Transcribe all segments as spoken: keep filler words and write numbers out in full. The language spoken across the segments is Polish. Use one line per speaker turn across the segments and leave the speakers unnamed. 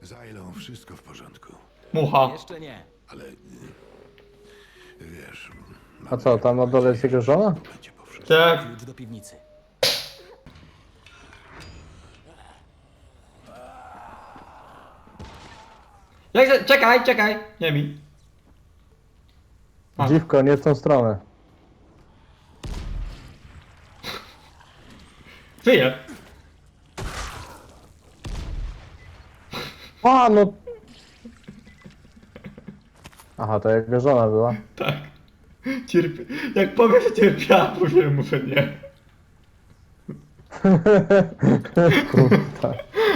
Zajlą, wszystko w porządku.
Mucha.
Jeszcze nie.
Ale... y, Wiesz...
A co, tam na dole jest jego żona?
Będzie po wszystkim.
Tak.
Klucz do piwnicy.
Jak się... Czekaj, czekaj. Nie mi. A.
Dziwko, nie w tą stronę.
Żyje.
A, no... Aha, to jego żona była.
Tak. Cierpi... Jak powiem, że cierpiała, powiem mu, że nie.
Kurwa.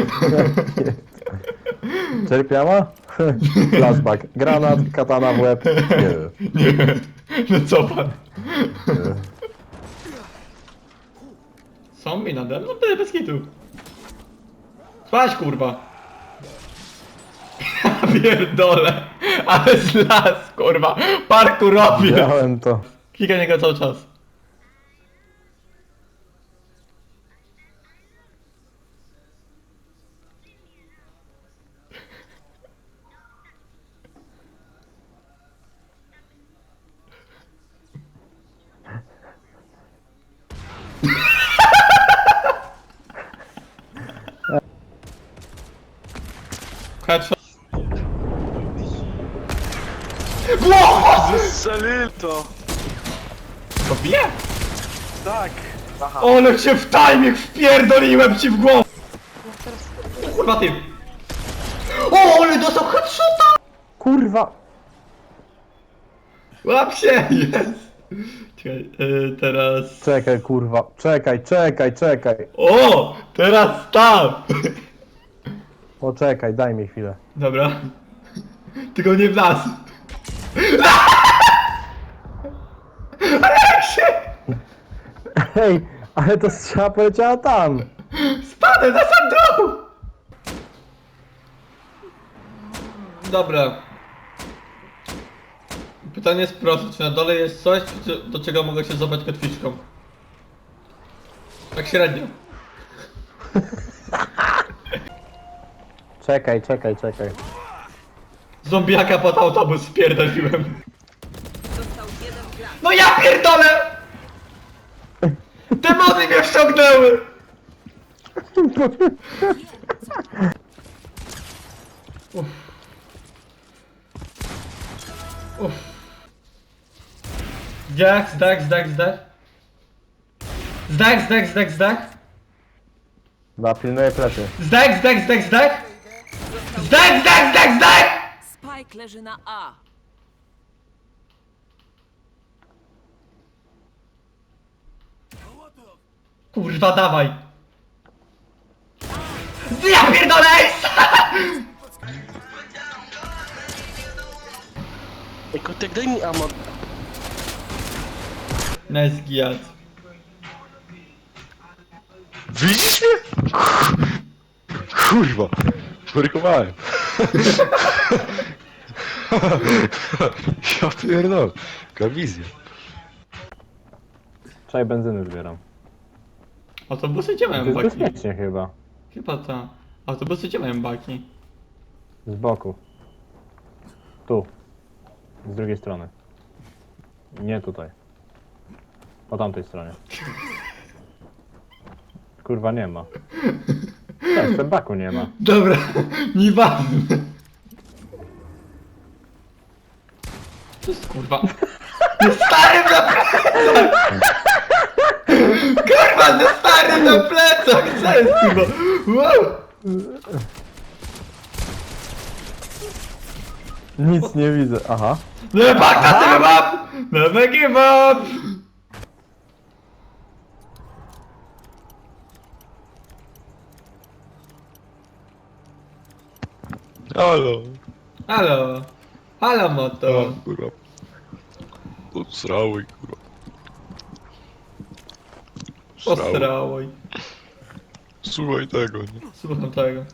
Cierpiała? Flashback. Granat, katana w łeb. Nie.
Nie. No co pan?
Nie.
Zombie nade mną? No bez kitu. Spać kurwa. Ja pierdolę. Ale z las kurwa. Parku robię.
Widziałem to.
Klikaj niego cały czas. Headshot. Wow!
Zestrzelil to!
To bije?
Tak! Aha.
Ale cię w timing wpierdoliłem ci w głowę! O kurwa ty! O, ale dostał headshota!
Kurwa!
Łap się! Jest! Czekaj, yy, teraz...
Czekaj, kurwa. Czekaj, czekaj, czekaj.
O! Teraz tam!
Poczekaj, daj mi chwilę.
Dobra. Tylko nie w nas. Ale jak się...
Hej, ale to strzała poleciała tam.
Spadłem na sam dół! Dobra. Pytanie jest proste, czy na dole jest coś, czy- do czego mogę się złapać kotwiczką? Tak średnio.
Czekaj, czekaj, czekaj.
Zombiaka pod autobus spierdoliłem. No ja pierdolę! Demony mnie wciągnęły! Uff. Uff. Zdech, zdech, zdech, zdech. Zdech, zdech, zdech, zdech.
Chyba pilnuję plecy.
Zdech, zdech, zdech, zdech. Zdech, zdech, zdech, zdech!
Spike leży na A.
Kurwa, dawaj! Ja pierdolę!
Ej, kotek, daj mi ammo.
Nice giat.
Widzisz mnie? Kurwa, szwarkowałem. Ja pierdolę, jaka wizja.
Czekaj, benzyny zbieram.
Autobusy gdzie
To
mają
jest
baki?
bezpiecznie chyba.
Chyba ta. Autobusy gdzie mają baki?
Z boku. Tu. Z drugiej strony. Nie tutaj. Po tamtej stronie. Kurwa nie ma. Tak, w tym baku nie ma.
Dobra, nieważne. To jest kurwa. No stary na plecach! Kurwa, no stary na plecach! Co jest kurwa? Wow!
Nic nie widzę. Aha.
No back na tym map! Never give up!
Halo.
Halo. Halo moto.
O, kurwa. Odsrały, kurwa. Srały.
Ostrałoj.
Słuchaj tego, nie?
Słucham tego.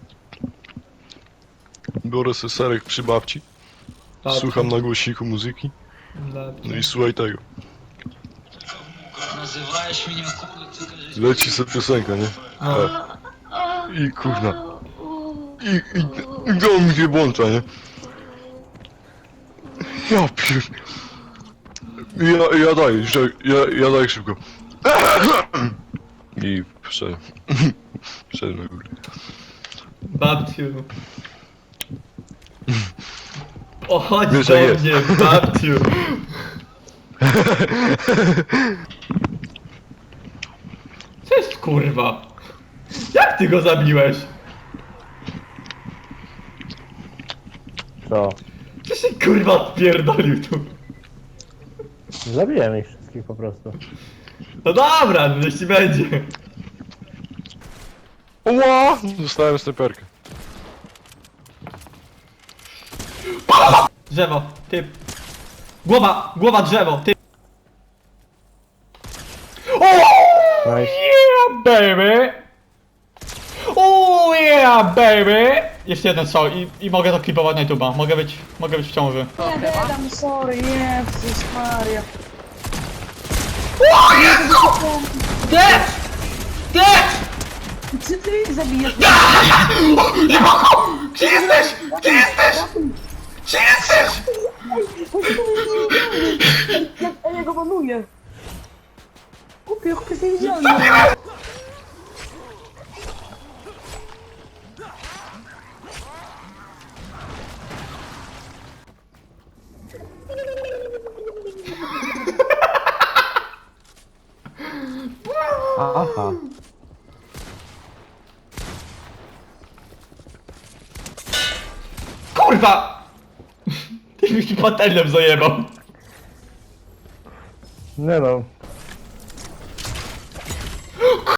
Biorę sobie serek przy babci,
Patrz.
słucham na głośniku muzyki,
Dobrze.
no i słuchaj tego.
Nazywałeś mnie kurwa,
Leci sobie piosenka, nie?
No.
Tak. I kurwa. I, i, i on mi się włącza, nie? Ja pier... Ja, ja daję, że- ja, ja daję szybko. I wszedł. Wszedł na górę.
Babciu. O, chodź
Wiesz,
do
jak jest.
mnie, babciu. Co jest kurwa? Jak ty go zabiłeś?
Co?
Co się kurwa odpierdolił tu?
Zabiłem ich wszystkich po prostu.
No dobra, no jeśli będzie.
Ła! Dostałem snajperkę.
Drzewo, typ. Głowa, głowa drzewo, typ. O!
Nice.
Yeah, baby! Oh yeah, baby! Jeszcze jeden strzał i, i mogę to klipować na YouTube'a. Mogę być, mogę być w ciąży.
Nie, dedam, sorry, Jezus Maria.
Death! Death!
Czy ty ich zabijesz?
Gdzie jesteś? Gdzie jesteś? Gdzie jesteś?
Ja, ja go banuję. Kupię, kupię z niej wziąłem.
Aha.
Kurwa! Ty mi patelnem zajebał.
Nie no,